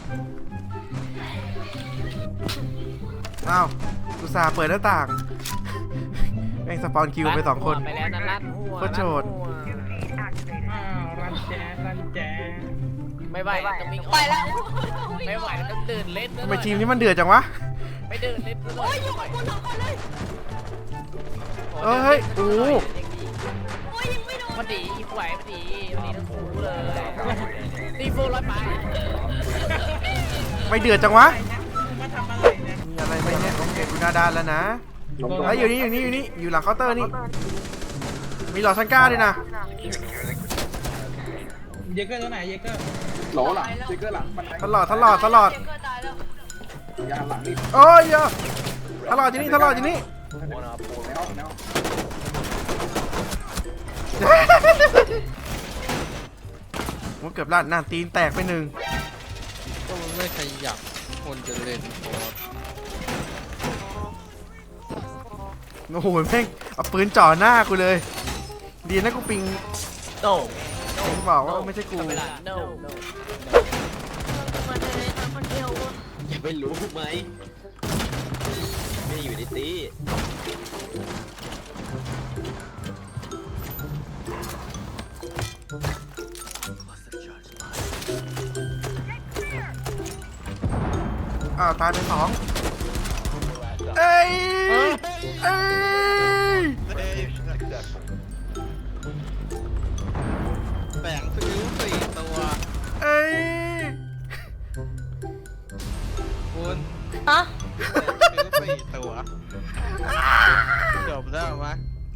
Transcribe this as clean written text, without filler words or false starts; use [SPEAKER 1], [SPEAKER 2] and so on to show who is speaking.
[SPEAKER 1] อ้าวอุตส่าห์เปิดหน้าต่างแม่งสปอนคิวไป2 คน
[SPEAKER 2] ไปแล้วนะลั่นหัว
[SPEAKER 1] โคตรโจร
[SPEAKER 3] รันแจ๊รันแจ๊
[SPEAKER 2] ไม่ไหวต้องวิ่ง
[SPEAKER 4] ไปแล้ว
[SPEAKER 2] ไม่ไหวต้องเดินเล่น
[SPEAKER 1] ทำไมทีมนี้มันเดือดจังวะ
[SPEAKER 2] ไม่เดินเล่น
[SPEAKER 4] โอ้ยอยู่กับคุณ2 คนเลย
[SPEAKER 1] เฮ้ยโอ้
[SPEAKER 4] โอ้ยยังไม่โดน
[SPEAKER 2] พอดีไหวพอดีทั้งคู่เลยตีโฟร้อยไป
[SPEAKER 1] ไม่เดือดจังวะ
[SPEAKER 3] มาทำอะไรเนี่ย
[SPEAKER 1] มีอะไรไหมเนี่ยโอเคกูหน้าด้านแล้วนะไอ้ยอยู่นี่อยู่หลังเคาน์เตอร์นี่มีหลอดชันก้าด้วยนะ
[SPEAKER 3] เยเกอร์ตัวไหนเยเกอร์
[SPEAKER 5] โหลหลังสติ๊กเกอร์หลังบันได
[SPEAKER 1] ตลอด
[SPEAKER 4] เจ็บก็ตายแล้ว
[SPEAKER 5] ยาหลังนี่
[SPEAKER 1] โอ้ยเยอะตลอดอยู่นี่
[SPEAKER 5] ในห้อง
[SPEAKER 1] มันเกือบลั่นหน้าตีนแตกไป1
[SPEAKER 6] ก็มันไม่ขยับคนจะเล่นโคตร
[SPEAKER 1] โอ้โหแม่งเอาปืนจ่อหน้ากูเลยดีนะกูปิง
[SPEAKER 2] โต
[SPEAKER 1] ปิงบอกว่าไม่ใช่กู
[SPEAKER 2] เวลา no
[SPEAKER 4] มาเลยมาคนเดียว
[SPEAKER 7] อย่าไปรู้ไหมไม่อยู่ในตี
[SPEAKER 1] อ้าวตายไป2เอ้ยเอ้ย